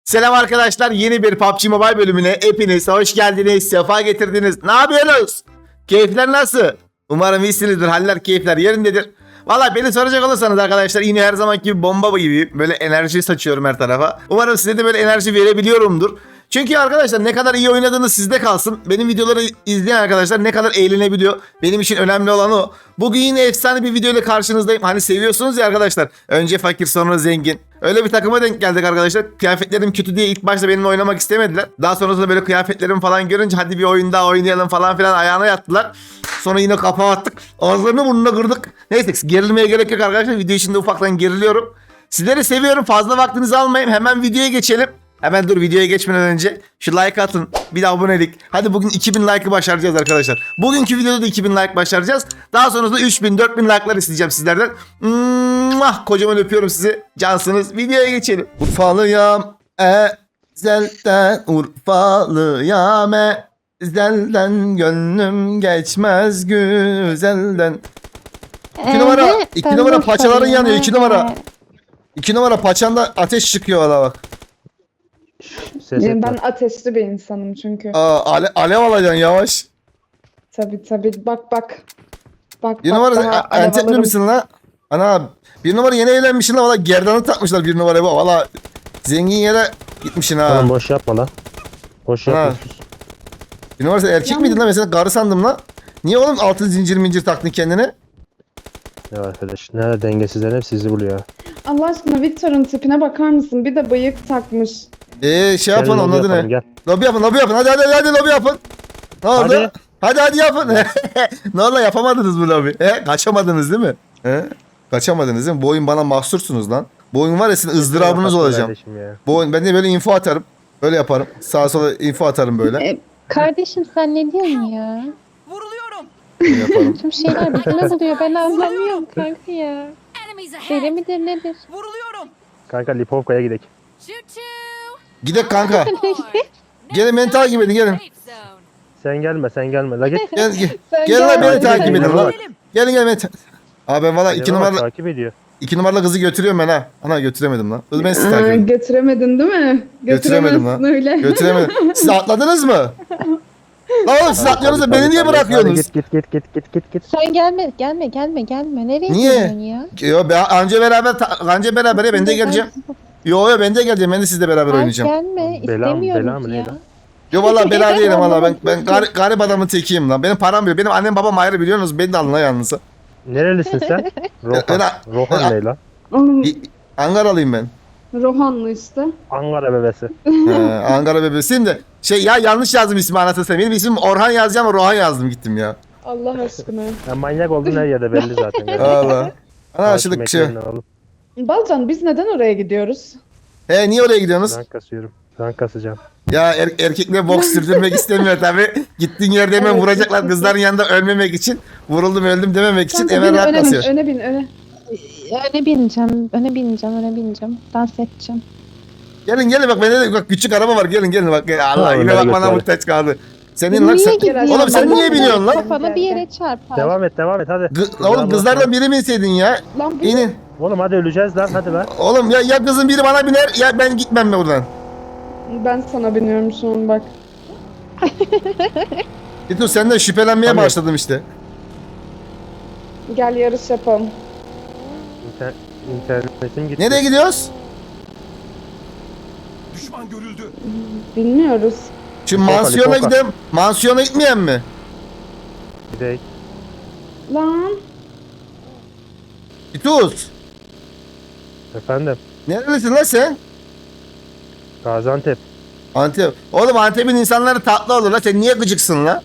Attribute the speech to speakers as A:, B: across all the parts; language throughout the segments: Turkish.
A: Selam arkadaşlar, yeni bir PUBG Mobile bölümüne hepiniz hoş geldiniz, sefa getirdiniz. Ne yapıyorsunuz? Keyifler nasıl? Umarım iyisinizdir, haller keyifler yerindedir. Valla beni soracak olursanız arkadaşlar yine her zamanki gibi bomba gibi böyle enerji saçıyorum her tarafa. Umarım size de böyle enerji verebiliyorumdur. Çünkü arkadaşlar ne kadar iyi oynadığınız sizde kalsın. Benim videoları izleyen arkadaşlar ne kadar eğlenebiliyor. Benim için önemli olan o. Bugün yine efsane bir video ile karşınızdayım. Hani seviyorsunuz ya arkadaşlar. Önce fakir sonra zengin. Öyle bir takıma denk geldik arkadaşlar. Kıyafetlerim kötü diye ilk başta benimle oynamak istemediler. Daha sonrasında böyle kıyafetlerimi falan görünce hadi bir oyun daha oynayalım falan filan ayağına yattılar. Sonra yine kapağı attık. Ağızlarını burnuna kırdık. Neyse gerilmeye gerek yok arkadaşlar. Video içinde ufaktan geriliyorum. Sizleri seviyorum. Fazla vaktinizi almayayım. Hemen videoya geçelim. Hemen dur videoya geçmeden önce şu like atın. Bir de abonelik. Hadi bugün 2000 like'ı başaracağız arkadaşlar. Bugünkü videoda da 2000 like başaracağız. Daha sonrasında 3000 4000 like'lar isteyeceğim sizlerden. Kocaman öpüyorum sizi. Cansınız. Videoya geçelim. Urfalıyam ezelden. Urfalıyam ezelden. Gönlüm geçmez güzelden. 2 numara. 2 numara paçaların yanıyor. 2 numara. 2 numara paçanda ateş çıkıyor valla bak.
B: Ben ateşli bir insanım çünkü.
A: Alev alacaksın yavaş.
B: Tabii. Bak.
A: Bir
B: daha
A: numara
B: alev
A: Antepli
B: alırım.
A: misin lan? Ana bir numara yeni evlenmişsin lan valla gerdanı takmışlar bir numaraya bak valla zengin yere gitmişsin ha.
C: Tamam boş yapma lan. Boş
A: Ha.
C: yapma.
A: Bir numara sen erkek miydin lan mesela karı sandım lan. Niye oğlum altın zincir mincir taktın kendine?
C: Ya arkadaş nerede dengesizler hep sizi buluyor. ya.
B: Allah aşkına Victor'un tipine bakar mısın? Bir de bıyık takmış.
A: Şey yapın
C: Gel,
A: onun
C: lobi
A: adı
C: yapalım,
A: ne?
C: Gel.
A: Lobi yapın hadi lobi yapın. Ne oldu? Hadi yapın. Ne oldu yapamadınız bu lobi? Kaçamadınız değil mi? Kaçamadınız değil mi? Bu oyun bana mahsursunuz lan. Bu oyun var ya sizin ızdırabınız olacağım.
C: Kardeşim ya.
A: Bu oyun ben de böyle info atarım. Böyle yaparım. Sağa sola info atarım böyle.
D: Kardeşim sen ne diyorsun ya?
A: Böyle yaparım.
D: Tüm şeyler birbirine buluyor. Ben anlamıyorum kanka ya.
E: Enemies
D: Deli
E: ahead.
D: midir nedir?
E: Vuruluyorum.
C: Kanka Lipovka'ya gidelim.
E: Shoot two.
A: Gidek kanka. Gelin beni takip edin gelin.
E: Safe zone.
C: Sen gelme. La git.
A: Gel
D: Sen
A: Gel lan beni
D: gel.
A: takip edin lan.
E: Gidelim.
A: Gelin beni. Abi ben valla 2
C: Acaba
A: numaralı
C: takip ediyor.
A: 2 numaralı kızı götürüyorum ben ha. Ana götüremedim lan. Dur ben sizi takip
B: Aa,
A: edeyim.
B: götüremedin değil mi?
A: Götüremedim lan.
B: Götüremezsin öyle.
A: Götüremedim. Siz atladınız mı? Lan oğlum siz atlıyorsunuz da beni niye
C: Hadi
A: bırakıyorsunuz?
C: git.
D: Sen gelme. Nereye
A: Niye?
D: gidiyorsun ya?
A: Yo ben anca beraber ya ben de geleceğim. Yo ben de geleceğim. Ben de sizle beraber
D: Ay,
A: oynayacağım.
D: gelme.
C: Bela mı,
D: İstemiyorum
C: bela mı,
D: ya.
C: ne lan?
A: Yo valla bela değilim valla ben garip adamın tekiyim lan. Benim param yok. Benim annem babam ayrı biliyorsunuz. Beni de alın lan yalnız.
C: Nerelisin sen? Rohan.
A: Ben-
C: Rohan ne lan?
B: Oğlum,
A: Ankaralıyım ben.
B: Rohanlı işte.
C: Ankara bebesi.
A: Ankara bebesiyim de. Ya yanlış yazdım ismi anasını satayım. Benim ismim Orhan yazacağım ama Rohan yazdım gittim ya.
B: Allah aşkına.
C: Ya manyak oldun her yerde belli zaten. Yani.
A: Valla. Ana aşılık
C: Takip
A: şey.
C: etmeyin oğlum.
B: Balcan biz neden oraya gidiyoruz?
A: Niye oraya gidiyorsunuz?
C: Ben kasıyorum. Ben kasacağım.
A: Ya erkekle boks sürdürmek istemiyor tabi. Gittiğin yerde hemen
B: Evet.
A: vuracaklar kızların yanında ölmemek için. Vuruldum öldüm dememek için
B: Kanka,
A: hemen
B: bin,
A: rahat
B: öne bin,
A: basıyor.
B: öne bin, öne.
D: Öne bineceğim. Dans edeceğim.
A: Gelin bak bende de bak küçük araba var gelin bak. Allah
C: Tamam,
A: yine
C: ben
A: bak bana
C: götürelim.
A: muhtaç kaldı. Senin lan
D: Niye
A: sen...
D: gidiyorsun?
A: Oğlum sen niye biniyorsun lan?
D: Kafana bir yere çarpar.
C: Devam et hadi.
A: Oğlum kızlardan biri mi inseydin ya?
B: Lan bu
A: İnin.
C: Oğlum hadi öleceğiz lan hadi lan.
A: Oğlum ya kızın biri bana biner ya ben gitmem mi buradan?
B: ben sana biniyorum şu an bak.
A: Dur senden şüphelenmeye
C: Tabii.
A: başladım işte.
B: Gel yarış yapalım.
C: İnternetim gitti.
A: Nereye gidiyoruz?
B: Bilmiyoruz.
A: Şimdi
C: Lipovka,
A: mansiyona
C: Lipovka.
A: gidelim. Mansiyona gitmeyen mi?
C: Gidelim.
B: Lan.
A: Tuz.
C: Efendim.
A: Nerelisin lan sen?
C: Gaziantep.
A: Antep. Oğlum Antep'in insanları tatlı olur lan. Sen niye gıcıksın lan?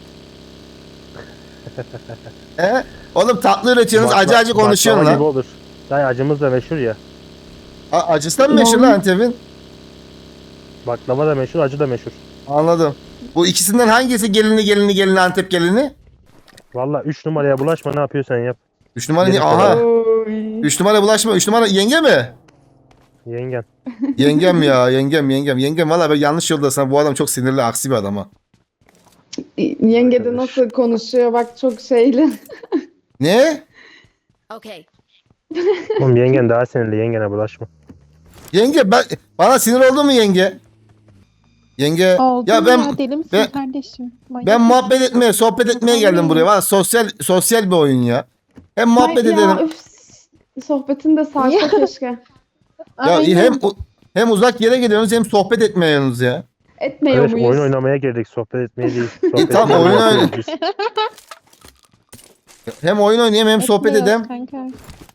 A: Oğlum tatlı üretiyorsunuz, acı acı konuşuyorsun
C: baklava gibi
A: lan.
C: olur. Dayı acımız da meşhur ya.
A: Acısı mı meşhur lan Antep'in?
C: Baklava da meşhur, acı da meşhur.
A: Anladım. Bu ikisinden hangisi gelini Antep gelini?
C: Valla 3 numaraya bulaşma ne yapıyorsan yap.
A: 3 numara
C: Gelin
A: aha.
B: Oy.
A: 3 numara bulaşma. 3 numara yenge mi?
C: Yengen.
A: Yengem ya yengem. Yengem valla ben yanlış yoldasın. Bu adam çok sinirli aksi bir adam ha.
B: Yenge de nasıl konuşuyor bak çok şeyli.
A: Ne?
E: Okay.
C: Oğlum yengen daha sinirli, yengene bulaşma.
A: Yenge bana sinir oldun mu yenge? Yenge
D: Oldu
A: ya
D: ya, deli misin
A: ben-
D: kardeşim? Manyak
A: ben
D: mısın?
A: muhabbet etmeye, sohbet etmeye geldim buraya. Valla sosyal bir oyun ya. Hem muhabbet
B: Ay ya,
A: edelim.
B: üf, sohbetin de sarsa keşke.
A: Ya
D: Aynen.
A: hem uzak yere gidiyorsunuz hem sohbet etmeye yanınız ya.
B: Etmiyor
C: Kardeş
B: muyuz?
C: oyun oynamaya girdik. Sohbet etmeye değil. Sohbet
A: tamam,
C: etmeye
A: oyun
C: geldik
A: oyna-
C: biz.
A: Hem oyun oynayayım hem sohbet
D: Etmiyoruz
A: edeyim.
D: kanka.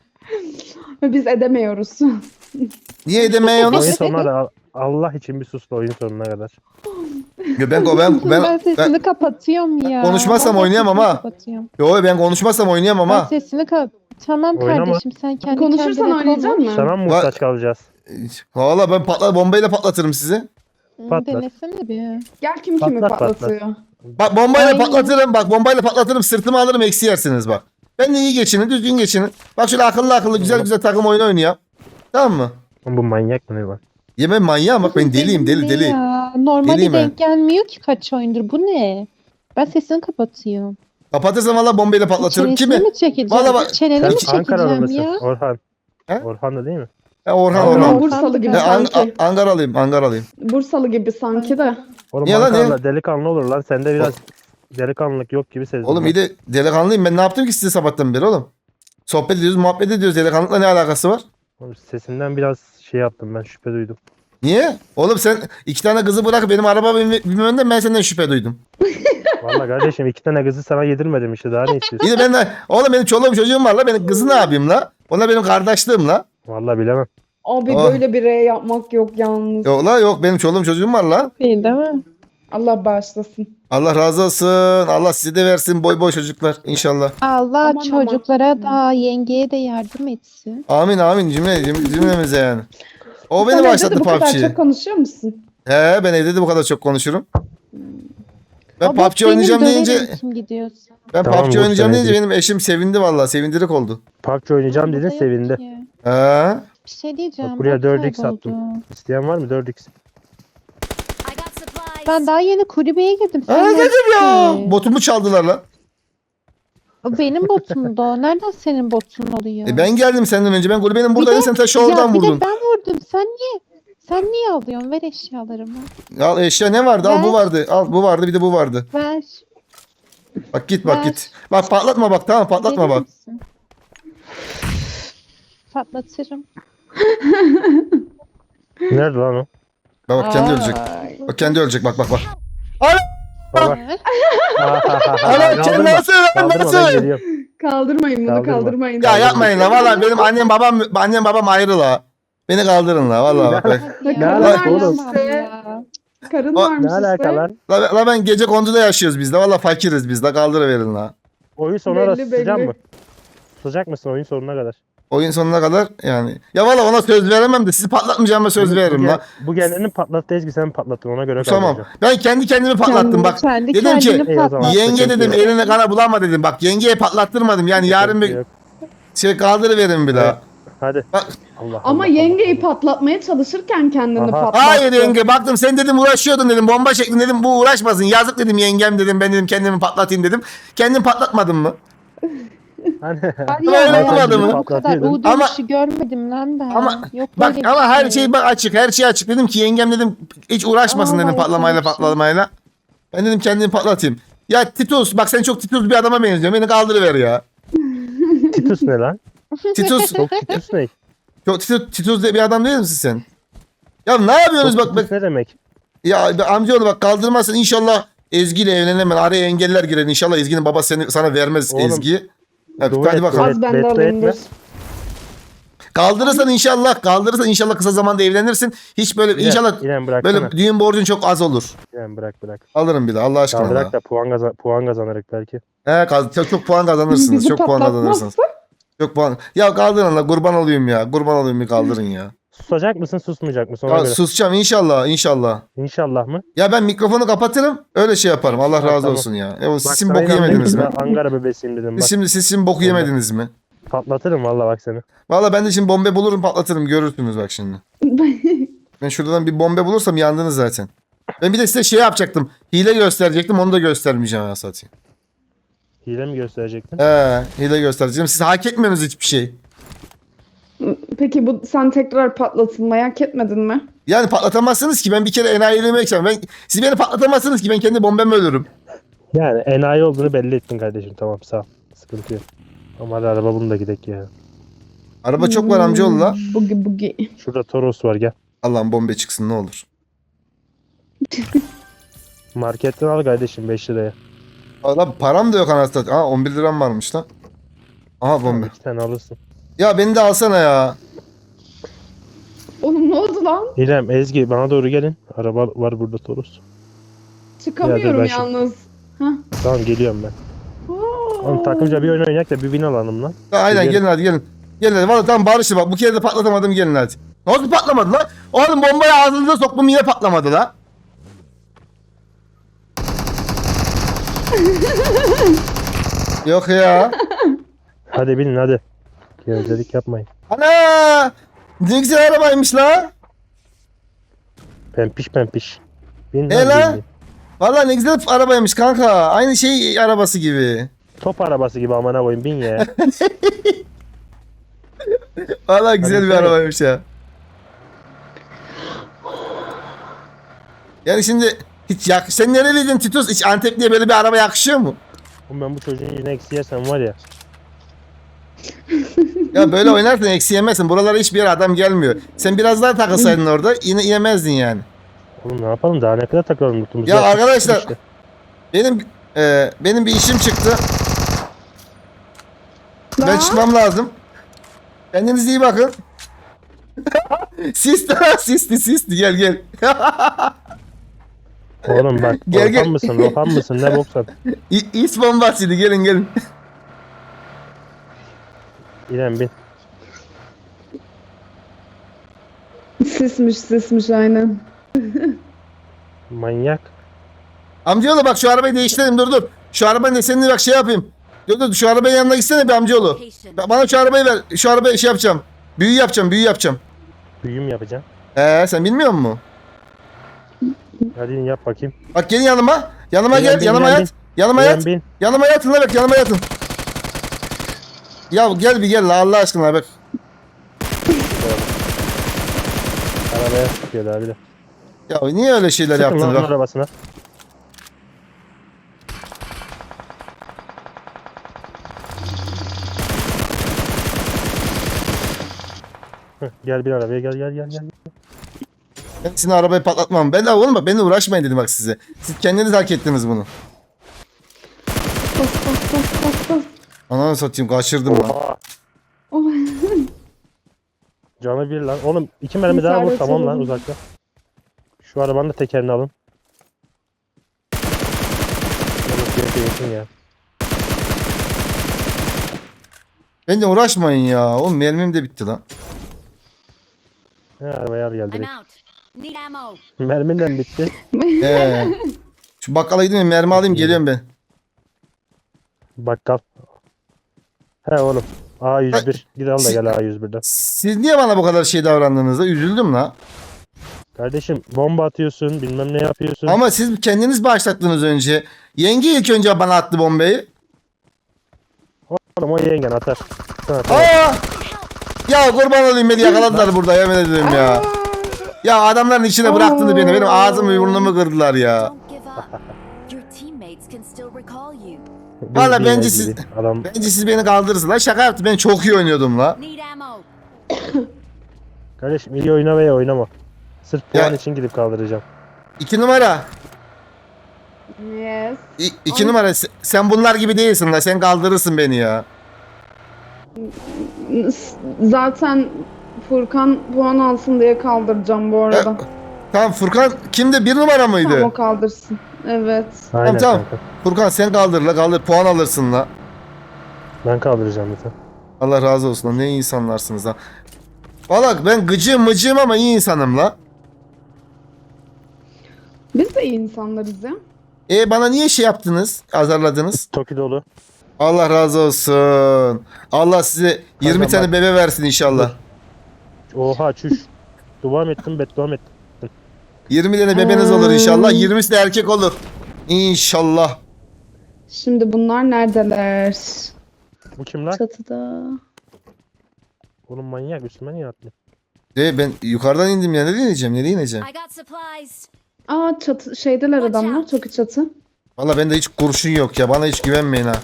B: Biz edemiyoruz.
A: Niye
C: Oyun
A: edemiyorsunuz?
C: sonuna da Allah için bir sus da oyun sonuna kadar.
A: Ya
D: Ben
A: ben
D: sesini kapatıyorum ya.
A: konuşmazsam
D: Vallahi
A: oynayamam
D: sesini
A: ha.
D: kapatıyorum.
A: yo ben konuşmazsam oynayamam
D: Ben
A: ha.
D: sesini Tamam
C: Oynama.
D: kardeşim, sen kendi
B: Konuşursan
D: kendine
B: oynayacak
D: konuş.
B: mısın?
C: Sana mı muhtaç kalacağız?
A: Valla ben bombayla patlatırım sizi.
C: Patlat.
D: Denesene bir.
B: Gel kim kimi
C: Patlat,
B: patlatıyor.
A: Bak bombayla
D: Aynen.
A: patlatırım. Bak bombayla patlatırım. Sırtımı alırım, eksi yersiniz bak. Ben de iyi geçinin, düzgün geçinin. Bak şöyle akıllı güzel takım oyunu oynuyor. Tamam mı?
C: Bu manyak mı ne lan?
A: Yemem manyağım bak, ben deliyim deli.
D: Ya. Normalde
A: Deliyim
D: denk gelmiyor ki kaç oyundur. Bu ne? Ben sesini kapatıyorum.
A: Kapatırsam valla bombayla patlatırım.
D: Çenesini
A: Kimi?
D: mi çekeceğim?
A: Vallahi bak-
D: Çeneni
C: Sen
D: mi çekeceğim
C: Ankaralı mısın?
D: ya?
C: Orhan.
A: He?
C: Orhan da değil mi?
A: Orhan.
B: Orhan Bursalı gibi sanki.
A: Angaralıyım.
B: Bursalı gibi sanki de.
C: Oğlum
A: Niye lan,
C: Ankara'da delikanlı olur lan. Sende biraz delikanlılık yok gibi sezdim.
A: Oğlum
C: ben.
A: iyi de delikanlıyım. Ben ne yaptım ki size sabahtan beri oğlum? Sohbet ediyoruz, muhabbet ediyoruz. Delikanlılıkla ne alakası var?
C: Oğlum sesinden biraz şey yaptım ben, şüphe duydum.
A: Niye? Oğlum sen 2 tane kızı bırak benim araba bilmemenden ben senden şüphe duydum.
C: Vallahi kardeşim 2 tane kızı sana yedirmedim işte, daha ne istiyorsun?
A: İyi de ben de, oğlum benim çoluğum çocuğum var la. Benim kızı ne yapayım la? Onlar benim kardeşliğim la.
C: Vallahi bilemem.
B: Abi
A: Oh.
B: böyle bir R yapmak yok yalnız.
A: Yok la, yok benim çoluğum çocuğum var la.
D: Değil mi?
B: Allah bağışlasın.
A: Allah razı olsun. Allah size de versin boy çocuklar inşallah.
D: Allah
B: Aman,
D: çocuklara da yengeye de yardım etsin.
A: Amin cümlemize yani. O beni
B: Sen evde
A: başlattı
B: de bu kadar
A: PUBG'yi.
B: çok konuşuyor musun?
A: He, ben evde de bu kadar çok konuşurum. Ben
D: O bot
A: PUBG oynayacağım
D: benim,
A: deyince
D: döverim kim gidiyorsa.
A: ben
C: Tamam,
A: PUBG
C: bu
A: oynayacağım
C: sene
A: deyince
C: değil.
A: benim eşim sevindi vallahi, sevindirik oldu.
C: PUBG oynayacağım
D: Burada
C: dedin,
D: yok
C: sevindi.
D: ki.
A: He.
D: Bir şey diyeceğim.
C: Bak buraya
D: bot
C: 4x
D: kayboldu.
C: attım. İsteyen var mı 4x?
E: I got supplies.
D: Ben daha yeni kulübeye girdim.
A: Aa,
D: Sen
A: dedim ya.
D: neredesin?
A: Botumu çaldılar lan.
D: O benim botumdu o. Nereden senin botun oluyor?
A: Ben geldim senden önce. Ben kulübenin
D: Bir
A: buradaydım.
D: de-
A: Sen taşı
D: Ya
A: oradan
D: bir de
A: vurdun.
D: ben vurdum. Sen niye alıyorsun? Ver eşyalarımı.
A: Al eşya ne vardı? Al
D: Ben-
A: bu vardı. Al bu vardı, bir de bu vardı.
D: Ver.
A: Bak git
D: Ben-
A: git. Bak patlatma bak, tamam patlatma
D: Deli
A: bak.
D: misin? Patlatırım.
C: Nerede lan o?
A: Bak kendi ölecek.
B: Ay.
A: Bak kendi ölecek, bak.
C: Baba.
D: Ver.
A: Ana sen nasıl lan,
C: Kaldırma, ben
A: nasıl?
C: geliyorum.
B: Kaldırmayın bunu,
C: Kaldırma.
B: kaldırmayın.
A: Ya yapmayın la valla, benim annem babam ayrı la. Beni kaldırın la valla bak.
D: Ya,
B: Ne
C: alaka
B: oğlum?
D: ya.
B: Karın
A: O-
B: varmış
C: Ne alaka
B: işte.
C: lan?
A: La ben gece konduda yaşıyoruz biz de, valla fakiriz biz de, kaldırıverin la.
C: Oyun sonuna da
B: Belli,
C: susacak
B: belli.
C: mı? Susacak mısın oyun sonuna kadar?
A: Oyun sonuna kadar yani. Ya valla ona söz veremem de, sizi patlatmayacağıma söz veririm la.
C: Bu kendini patlattı, Ezgi sen patlattın, ona göre
A: Tamam.
C: kaldıracağım.
A: Ben kendi kendimi patlattım bak.
D: Kendi
A: dedim ki,
D: kendini
C: "Ey, o zaman
D: patlat."
A: Yenge
C: sıkıntı
A: dedim
C: yok.
A: eline kana bulama dedim. Bak yengeye patlattırmadım. Yani yarın bir
C: Yok.
A: şey kaldırıverin bir daha.
C: Hadi.
A: Bak.
C: Allah
B: Ama
C: Allah,
B: yengeyi
C: Allah.
B: patlatmaya çalışırken kendini
C: Aha.
B: patlattı.
A: Hayır yenge, baktım sen dedim uğraşıyordun dedim. Bomba çektin dedim, bu uğraşmasın. Yazık dedim yengem dedim, ben dedim kendimi patlatayım dedim. Kendim patlatmadım mı?
C: Hani
D: Var
A: Ama
D: ya,
A: öyle
D: ben
A: olmadı mı?
D: Bu kadar
C: Patlatıyordun.
D: U
A: Ama-
D: dönüşü görmedim lan ben.
A: Ama
D: Yok
A: bak
D: böyle bir
A: ama her şey bak açık, her şey açık. Dedim ki yengem dedim hiç uğraşmasın
D: Aa,
A: dedim
D: yok
A: patlamayla
D: öyle bir şey.
A: patlamayla. Ben dedim kendimi patlatayım. Ya Titus bak, sen çok Titus bir adama benziyorsun. Beni kaldırıver ya.
C: Titus ne lan?
A: Titus
C: Çok Titus ne?
A: çok Titus diye bir adam değil misin sen? Ya ne yapıyorsunuz
C: Çok
A: bak bak.
C: Titus ne demek?
A: Ya amcaoğlu bak, kaldırmazsın inşallah Ezgi ile evlenemem. Araya engeller girer inşallah, Ezgi'nin babası sana vermez
C: Oğlum,
A: Ezgi. Evet,
C: dua
A: hadi
C: et,
A: bakalım.
C: dua et.
B: Az ben de
C: Beddua
B: alayım
C: etme.
B: dur.
A: Kaldırırsan inşallah kısa zamanda evlenirsin. Hiç böyle
C: İrem,
A: inşallah
C: İrem bıraksana.
A: böyle düğün borcun çok az olur.
C: İrem bırak.
A: Alırım bir de Allah
C: Ya
A: aşkına.
C: bırak da puan kazanırız belki.
A: Çok puan kazanırsınız.
B: Bizi
A: Çok puan kazanırsınız.
B: patlatmazsa
A: Çok puan. Ya kaldırın la, kurban olayım ya. Kurban olayım, bir kaldırın ya.
C: Susacak mısın, susmayacak mısın? Ona
A: Ya
C: göre.
A: susacağım inşallah.
C: İnşallah mı?
A: Ya ben mikrofonu kapatırım. Öyle şey yaparım. Allah razı
C: Tamam.
A: olsun ya. Siz
C: Bak,
A: şimdi
C: sana
A: boku
C: inanmıyorum,
A: yemediniz mi?
C: ben Ankara bebesiyim dedim bak.
A: Siz şimdi boku yemediniz mi?
C: Patlatırım valla bak seni.
A: Valla ben de şimdi bombe bulurum, patlatırım, görürsünüz bak şimdi. Ben şuradan bir bombe bulursam yandınız zaten. Ben bir de size şey yapacaktım. Hile gösterecektim, onu da göstermeyeceğim ya satayım.
C: Hile mi gösterecektin?
A: Hile göstereceğim. Siz hak etmiyorsunuz hiçbir şey.
B: Peki bu sen tekrar patlatılmayı hak etmedin mi?
A: Yani patlatamazsınız ki, ben bir kere enayiliğimi yapacağım. Siz beni patlatamazsınız ki, ben kendi bombamı ölürüm.
C: Yani enayi olduğunu belli ettin kardeşim. Tamam sağ ol. Sıkıntı yok. Ama hadi araba bunu da gidek ya.
A: Araba çok var amcaoğlu la.
B: Bugi bugi.
C: Şurada Toros var gel.
A: Allah'ım bombe çıksın ne olur.
C: Marketten al kardeşim 5 liraya.
A: Allah param da yok anasını. Aa 11 liram varmış lan. Aha bombe.
C: 2 tane alırsın.
A: Ya beni de alsana ya.
B: Oğlum ne oldu lan?
C: İrem, Ezgi bana doğru gelin. Araba var burada Toros.
B: Çıkamıyorum
C: ben şimdi-
B: yalnız.
C: Tamam geliyorum ben. Oğlum takımca bir oyun oynayak da bir win alalım lan.
A: Ya, aynen
C: Gelin.
A: gelin hadi gelin. Gelin hadi. Valla tamam barıştı bak. Bu kere de patlatamadım, gelin hadi. Nasıl patlamadı lan? Oğlum bombayı ağzınıza soktum yine patlamadı la. Yok ya.
C: Hadi binin hadi. Gevezelik yapmayın.
A: Ana! Ne güzel arabaymış la.
C: Pempiş pempiş. Bin
A: E
C: lan,
A: lan?
C: bin, bin.
A: Valla ne güzel arabaymış kanka. Aynı şey arabası gibi.
C: Top arabası gibi amına koyayım bin ya.
A: Valla güzel
C: Hadi
A: bir
C: sen.
A: arabaymış ya. Yani şimdi hiç sen nereliydin Titus? Hiç Antepli'ye böyle bir araba yakışıyor mu?
C: Oğlum ben bu çocuğun yine eksi yersem var ya.
A: Ya böyle oynarsan eksi yemezsin. Buralara hiçbir yere adam gelmiyor. Sen biraz daha takılsaydın orada yine yemezdin yani.
C: Oğlum ne yapalım daha ne kadar takalım mutluluğumuzu.
A: Ya
C: yaptık
A: arkadaşlar,
C: işte.
A: Benim bir işim çıktı. Ben
B: Lan.
A: çıkmam lazım. Kendinize iyi bakın. Sisti gel gel.
C: Oğlum bak
A: Gel, gel.
C: Rohan mısın Rohan mısın ne boksan.
A: İs bombasıydı, gelin.
C: İrem bin.
B: Sismiş aynen.
C: Manyak.
A: Amcaoğlu bak şu arabayı değiştirelim, dur. Şu arabanın desenini bak şey yapayım. Dur şu arabanın yanına gitsene bir amcaoğlu.
E: Location.
A: Bana şu arabayı ver. Şu arabayı şey yapacağım. Büyü yapacağım.
C: Büyüm yapacağım.
A: Sen bilmiyor musun?
C: Hadi in yap bakayım.
A: Bak gelin yanıma. Yanıma
C: İrem
A: gel,
C: bin,
A: yanıma
C: İrem
A: yat. Yanıma
C: İrem
A: yat.
C: bin.
A: Yanıma yatın la bak, yanıma yatın. Ya gel bir gel la Allah aşkına bak.
C: Arabaya sıkıyor abi de.
A: Ya niye öyle şeyler
C: Sıkın
A: yaptın
C: lan onun
A: bak.
C: arabasına. Heh, gel bir arabaya gel.
A: Ben sizin arabayı patlatmam. Ben de oğlum bak benimle uğraşmayın dedim bak size. Siz kendiniz hak ettiniz bunu.
B: Bas.
A: Ananı satayım kaçırdım lan.
C: Oha.
B: Oh.
C: Canı bir lan. Oğlum 2 mermi daha vur
B: İşaret
C: tamam lan
B: edelim.
C: uzakta. Şu arabanın da tekerini alın. Yakın ya.
A: Benimle uğraşmayın ya. Oğlum mermim de bitti lan.
C: He arabaya al gel
E: I'm
C: direkt.
E: out. Need ammo.
C: Merminden bitti.
A: Şu bakkala gideyim mermi alayım geliyorum ben.
C: Bakkal. He oğlum. A101. Gir al da gel A101'den.
A: Siz niye bana bu kadar şey davrandığınızda üzüldüm la.
C: Kardeşim bomba atıyorsun bilmem ne yapıyorsun.
A: Ama siz kendiniz başlattınız önce. Yenge ilk önce bana attı bombayı.
C: Oğlum o yengen atar. Sen atar.
A: Aa! Ya kurban olayım beni yakaladılar burada yemin ederim ya. Ya adamların içine bıraktınız beni. Benim ağzımı burnumu kırdılar ya.
E: Don't give up. Your teammates can still recall you.
C: Biz
A: Valla
C: bir
A: bence
C: yer
A: siz-
C: gibi. Adam
A: Bence siz beni kaldırırsınız. La şaka yaptım. Ben çok iyi oynuyordum la.
E: Need ammo.
C: kardeşim iyi oyna veya oynama. Sırf
A: Ya-
C: puan için gidip kaldıracağım.
A: 2 numara.
B: Yes.
A: 2 numara. Sen bunlar gibi değilsin la. Sen kaldırırsın beni ya.
B: Zaten Furkan puan alsın diye kaldıracağım bu arada.
A: Tamam Furkan kimdi? 1 numara mıydı?
B: Tamam o kaldırsın. Evet.
C: Aynen
A: tamam.
C: kanka.
A: Furkan sen kaldır la. Kaldır. Puan alırsın la.
C: Ben kaldıracağım zaten.
A: Allah razı olsun lan. Ne iyi insanlarsınız ha. Valla ben gıcığım ama iyi insanım la.
B: Biz de iyi insanlarız ya.
A: Bana niye şey yaptınız? Azarladınız?
C: Toki dolu.
A: Allah razı olsun. Allah size 20
C: Tamam,
A: tane
C: bak.
A: bebe versin inşallah.
C: Oha çüş. Duam ettim beddua ettim.
A: 20 tane bebeniz olur inşallah. 20'si de erkek olur. İnşallah.
B: Şimdi bunlar neredeler?
C: Bu kim lan?
B: Çatıda.
C: Oğlum manyak üstüme niye atlıyor?
A: Ben yukarıdan indim ya. Nereye ineceğim? Nereye ineceğim?
E: I got supplies.
B: Aa çatı şeydeler
E: Watch
B: adamlar.
E: out.
B: Çok çatı.
A: Valla bende hiç kurşun yok ya. Bana hiç güvenmeyin ha.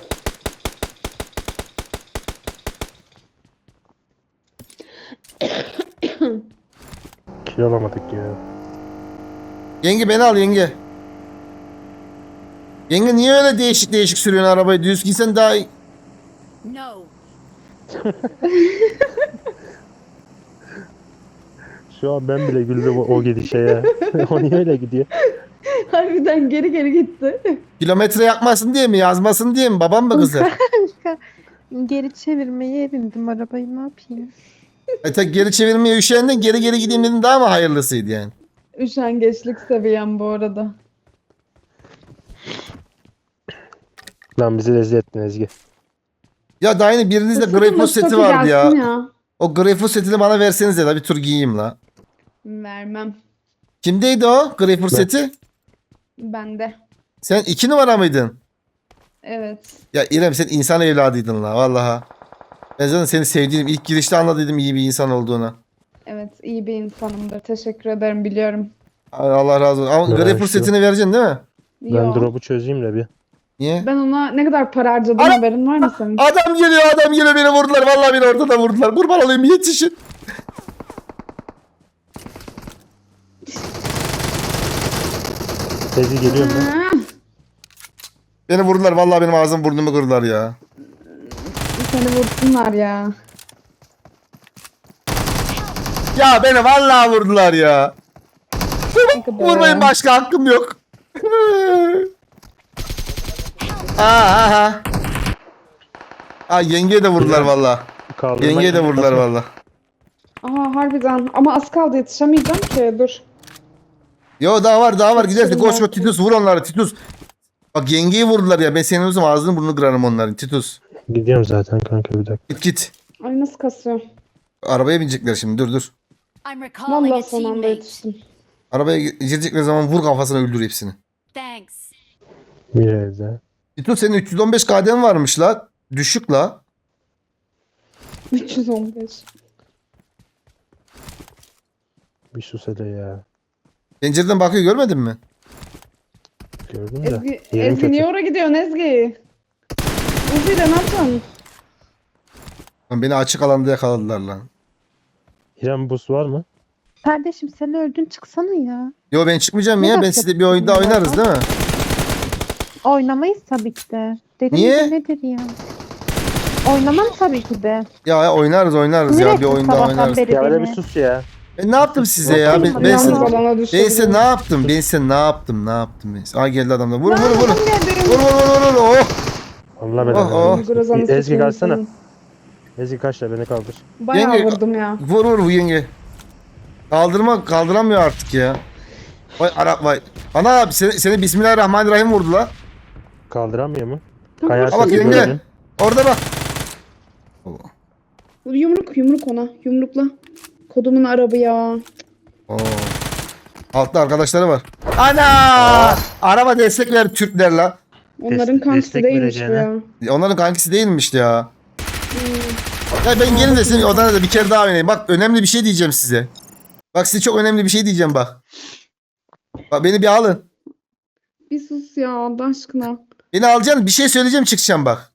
C: Kill alamadık ya.
A: Yenge beni al yenge. Yenge niye öyle değişik değişik sürüyorsun arabayı? Düz gitsen daha iyi.
E: No.
C: Şu an ben bile güldüm o gidişe ya. O niye öyle gidiyor?
B: Harbiden geri geri gitti.
A: Kilometre yakmasın diye mi? Yazmasın diye mi? Babam mı kızı?
D: Geri çevirmeye erindim arabayı, ne yapayım?
A: Tek geri çevirmeye üşendin. Geri geri gideyim dedin, daha mı hayırlısıydı yani?
B: Üşengeçlik seviyem bu arada.
C: Lan bizi rezil ettin Ezgi.
A: Ya daha yeni birinizde
B: Sakın
A: Greyfus
B: Mustafa
A: seti vardı ya.
B: gelsin
A: O Greyfus setini bana versenize de bir tur giyeyim la.
B: Vermem.
A: Kimdeydi o Greyfus
C: Ben.
A: seti?
B: Bende.
A: Sen 2 numara mıydın?
B: Evet.
A: Ya İrem sen insan evladıydın la vallaha. Ben zaten seni sevdiğim ilk girişte anladıydım iyi bir insan olduğunu.
B: Evet iyi bir insanımdır. Teşekkür ederim biliyorum.
A: Allah razı olsun. Ama
C: Ya
A: Greyfus
C: şu-
A: setini vereceksin değil mi?
C: Ben
B: Yo.
C: drop'u çözeyim de bir.
A: Niye?
B: Ben ona ne kadar para harcadım
A: Ara-
B: haberin var mı senin?
A: Adam geliyor beni vurdular. Vallahi beni ortada vurdular. Kurban olayım yetişin.
C: Ezgi geliyorum ben.
B: Ha,
A: Beni vurdular. Vallahi benim ağzım burnumu kırdılar ya.
B: seni vursunlar ya.
A: Ya beni vallahi vurdular ya.
B: Ne kadar
A: Vurmayın
B: ya.
A: başka hakkım yok. Aha. Aa yengeye de vurdular vallahi.
C: Kaldırmak
A: Yengeye de
C: için
A: vurdular
C: basın.
A: vallahi.
B: Aa harbiden ama az kaldı yetişemeyeceğim ki dur.
A: Yo daha var gidersin.
B: Yetişirim
A: Koş
B: ben.
A: koş Titus vur onları Titus. Bak yengeyi vurdular ya. Ben senin uzun ağzını burnunu kırarım onların Titus.
C: Gidiyorum zaten kanka bir dakika.
A: Git.
B: Ay nasıl kasıyor.
A: Arabaya binecekler şimdi dur.
E: I'm recalling
B: Vallahi
E: a
B: son anda
E: teammate.
B: yetiştim.
A: Arabaya girecekleri zaman vur kafasına öldür hepsini.
E: Thanks.
C: Bir evde.
A: Titus senin 315 KD'n varmış la. Düşük la.
B: 315.
C: Bir sus hele ya.
A: Pencereden bakıyor görmedin mi?
C: Gördün de.
B: Ezgi,
C: Yerim
B: Ezgi
C: kötü.
B: niye oraya gidiyorsun Ezgi? Ezgi de ne yapacaksın?
A: Lan beni açık alanda yakaladılar lan.
C: İrem boost var mı?
D: Kardeşim sen öldün, çıksana ya.
A: Yo ben çıkmayacağım
D: Ne
A: ya. Ben
D: bak
A: sizle bir oyunda
D: yapıyorsun ya?
A: oynarız değil mi?
D: Oynamayız tabii ki de. Dedim
A: Niye?
D: ki nedir ya? Oynamam tabii ki de.
A: Ya oynarız ya.
D: Sinir
A: Bir
D: ettin
A: oyunda
D: sabahtan
A: oynarız.
D: beri
C: Ya öyle bir
D: beni.
C: sus ya.
A: Ben ne yaptım size ya? Ben
D: Yalnız
A: size,
B: Alana düştü.
A: ben size ne yaptım? Ben size ne yaptım? Ben size. Aa geldi adamlar. Vur.
B: Adam geldi.
A: Vur. Oh.
C: Allah
A: Oh, oh.
C: belanı.
B: Grazanı
C: Ezgi
B: sıçayım
C: kalsana.
B: senin.
C: Ezgi kaç da beni kaldır.
B: Bayağı
A: Yenge-
B: vurdum ya.
A: Vur bu yenge. Kaldıramıyor artık ya. Vay Arap vay. Ana abi seni Bismillahirrahmanirrahim vurdu la.
C: Kaldıramıyor mu?
B: Tamam,
C: Kayarsın
A: bak yenge.
C: böyle.
A: Orada bak.
B: Yumruk ona. Yumrukla. Kodumun arabı ya.
A: Oo. Altta arkadaşları var. Ana! Araba destek ver Türkler la.
B: Onların kankisi
C: destek
B: değilmiş bu
C: vereceğine.
B: ya.
A: Onların kankisi değilmiş ya. Ya ben gelin de senin odana da bir kere daha oynayayım. Bak önemli bir şey diyeceğim size. Bak size çok önemli bir şey diyeceğim bak. Bak beni bir alın.
B: Bir sus ya Allah aşkına.
A: Beni alacaksın bir şey söyleyeceğim çıkacağım bak.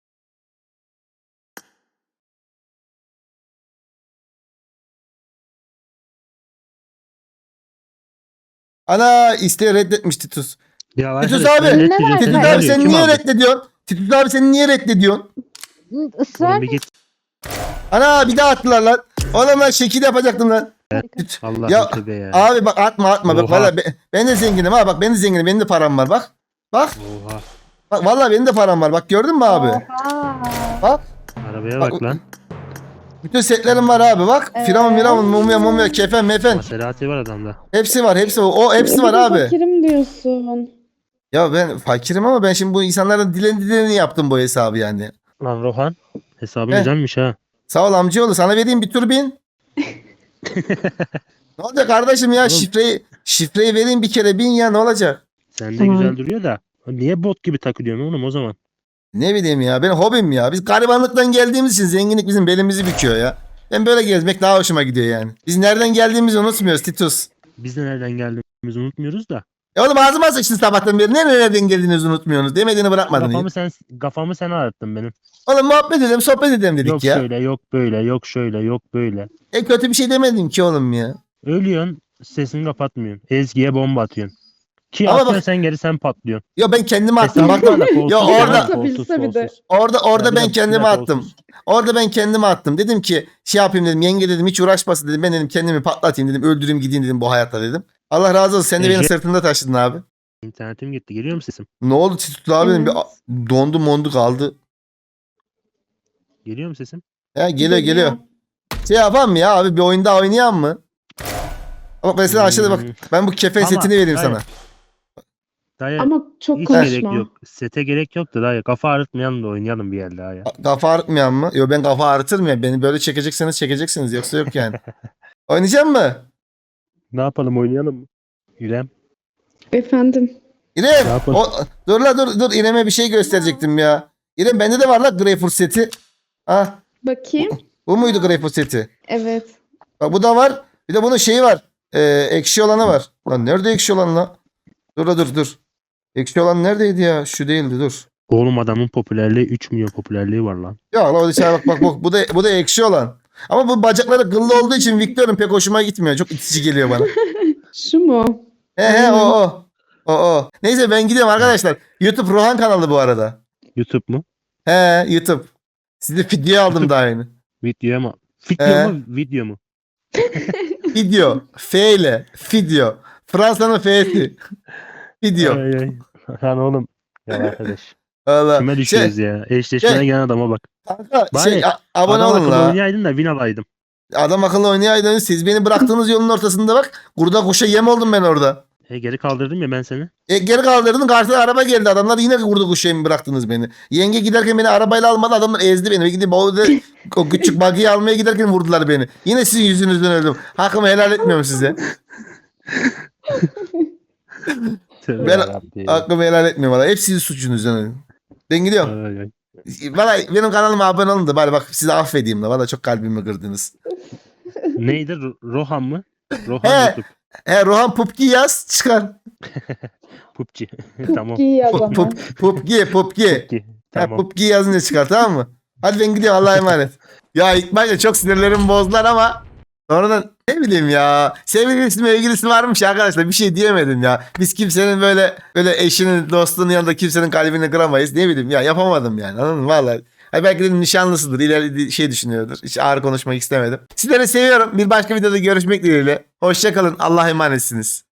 A: Ana isteği reddetmiş Titus.
C: Ya
A: Titus
C: arkadaş,
A: abi,
C: ben
D: Ne
C: net
D: var
C: diyeceğim,
A: Titus
D: ya?
C: ne
A: abi
C: oluyor?
A: sen
C: Kim
A: niye
C: aldı?
A: reddediyorsun? Titus abi sen niye reddediyorsun?
D: Israr
C: Oğlum bir git.
A: Ana bir daha attılar lan. Oğlum lan şekil yapacaktım lan.
C: Allah
A: Ya,
C: tövbe ya.
A: Abi bak atma. Bak
C: Oha.
A: vallahi ben de zenginim ha bak ben de zenginim benim de param var bak. Bak
C: Oha.
A: bak vallahi benim de param var bak gördün mü abi?
D: Aa,
A: Bak
C: Arabaya
A: Bak-
C: bak lan.
A: bütün setlerim var abi bak. Firavun, mumya, kefen, mefen.
C: Maserati var adamda.
A: Hepsi var o hepsi var
B: Bir de
A: abi.
B: Fakirim diyorsun.
A: Ya ben fakirim ama ben şimdi bu insanların dileni yaptım bu hesabı yani.
C: Lan Rohan. Hesabın
A: Heh.
C: güzelmiş ha.
A: Sağ ol amcaoğlu sana vereyim bir tur bin. Ne olacak kardeşim ya şifreyi vereyim bir kere bin ya ne olacak?
C: Sende
B: Tamam.
C: güzel duruyor da. Niye bot gibi takılıyorsun oğlum o zaman?
A: Ne bileyim ya benim hobim ya. Biz garibanlıktan geldiğimiz için zenginlik bizim belimizi büküyor ya. Ben böyle gezmek daha hoşuma gidiyor yani. Biz nereden geldiğimizi unutmuyoruz Titus.
C: Biz de nereden geldiğimizi unutmuyoruz da.
A: Oğlum ağzıma sıçtın sabahtan beri. Nereden geldiğinizi unutmuyorsunuz. Demediğini bırakmadın.
C: Kafamı sen ağrıttın benim.
A: Oğlum muhabbet edelim, sohbet edelim dedik
C: Yok
A: ya.
C: şöyle, yok böyle, yok şöyle, yok böyle.
A: Kötü bir şey demedim ki oğlum ya.
C: Ölüyorsun, sesini kapatmıyorsun. Ezgi'ye bomba atıyorsun. Ki
A: Ama
C: atıyorsun
A: bak-
C: sen geri sen patlıyorsun.
A: Ya ben kendime attım. Bak
C: Hesabı da kolsuz,
A: Ya orada-
C: yani, kolsuz,
B: Atabilse bir de.
C: kolsuz.
A: orada
C: Yani
A: ben
C: bir
A: kendime
C: dakika
A: attım.
C: olsun.
A: Orada ben kendime attım. Dedim ki şey yapayım dedim. Yenge dedim hiç uğraşmasın dedim. Ben dedim kendimi patlatayım dedim. Öldüreyim gideyim dedim bu hayatta dedim. Allah razı olsun. Sen de beni
C: Ece-
A: sırtında taşıdın abi.
C: İnternetim gitti. Geliyor mu sesim?
A: Ne oldu Titut abi dedim.
B: Evet.
A: Dondu mondu kaldı.
C: Geliyor mu sesim?
A: Ya geliyor. Şey yapalım mı ya abi bir oyunda oynayalım mı? Ama mesela aşağıda bak.
C: Hmm.
A: Ben bu kefen
C: Ama-
A: setini vereyim
C: hayır.
A: sana.
C: Dayı
B: Ama çok
C: hiç
B: konuşma.
C: gerek yok. Sete gerek yok da dayı. Kafa ağrıtmayalım da oynayalım bir yerde daha ya.
A: Kafa ağrıtmayan mı? Yo ben kafa ağrıtırım ya. Beni böyle çekeceksiniz yoksa yok yani. Oynayacak mı?
C: Ne yapalım oynayalım mı? İrem.
B: Efendim.
A: İrem.
C: Ne yapalım?
A: Dur la dur. İrem'e bir şey gösterecektim ya. İrem bende de var la Greyfurt seti. Ah
B: Bakayım.
A: bu muydu Greyfurt seti?
B: Evet.
A: Bak bu da var. Bir de bunun şeyi var. Ekşi olanı var. Lan nerede ekşi olan la? Dur. Ekşi olan neredeydi ya? Şu değildi dur.
C: Oğlum adamın popülerliği 3 milyon popülerliği var lan.
A: Ya la o dışarı bak bu da ekşi olan. Ama bu bacakları kıllı olduğu için Victor'un pek hoşuma gitmiyor. Çok itici geliyor bana.
B: Şu mu?
A: He o. Neyse ben gidiyorum arkadaşlar. YouTube Rohan kanalı bu arada.
C: YouTube mu?
A: He YouTube. Size video aldım daha yeni.
C: Video mu? Video mu?
A: Video. F ile. Video. Fransa'nın F'si. Video.
C: Ay, ay. Lan oğlum. Ya arkadaş.
A: Valla.
C: Kime düşüyoruz ya? Eşleşmeye
A: şey-
C: gelen adama bak.
A: Kanka,
C: Bari
A: abone
C: Adam
A: olun
C: akıllı
A: la.
C: oynayaydın da win alaydın.
A: Adam akıllı oynayaydınız. Siz beni bıraktığınız yolun ortasında bak. Kurda kuşa yem oldum ben orada.
C: Geri kaldırdım ya ben seni.
A: Geri kaldırdın karşıdan araba geldi. Adamlar yine kurda kuşa yem bıraktınız beni. Yenge giderken beni arabayla almadı. Adamlar ezdi beni. Ve gidip o küçük buggy'yi almaya giderken vurdular beni. Yine sizin yüzünüzden öldüm. Hakkımı helal etmiyorum size.
C: Tövbe
A: Ben-
C: yarabbim.
A: Hakkımı helal etmiyorum valla. Hep sizin suçunuzdan öldüm. Ben gidiyorum.
C: Ay, ay.
A: Valla benim kanalıma abone olun da bari bak sizi affedeyim de. Valla çok kalbimi kırdınız.
C: Neydi? Rohan mı? Rohan
A: He.
C: YouTube.
A: Rohan PUBG yaz çıkar.
C: PUBG. Tamam.
B: İyi o zaman.
A: PUBG.
C: PUBG. Tamam.
A: PUBG yazınca çıkar tamam mı? Hadi ben gidiyorum Allah'a emanet. Ya ilk başta çok sinirlerimi bozdular ama sonradan ne bileyim ya. Sevgilisi mevgilisi varmış arkadaşlar bir şey diyemedim ya. Biz kimsenin böyle eşinin dostunun yanında kimsenin kalbini kıramayız. Ne bileyim ya yapamadım yani anladın mı? Vallahi. Ay belki de nişanlısıdır. İleri şey düşünüyordur. Hiç ağır konuşmak istemedim. Sizleri seviyorum. Bir başka videoda görüşmek dileğiyle. Hoşçakalın. Allah'a emanetsiniz.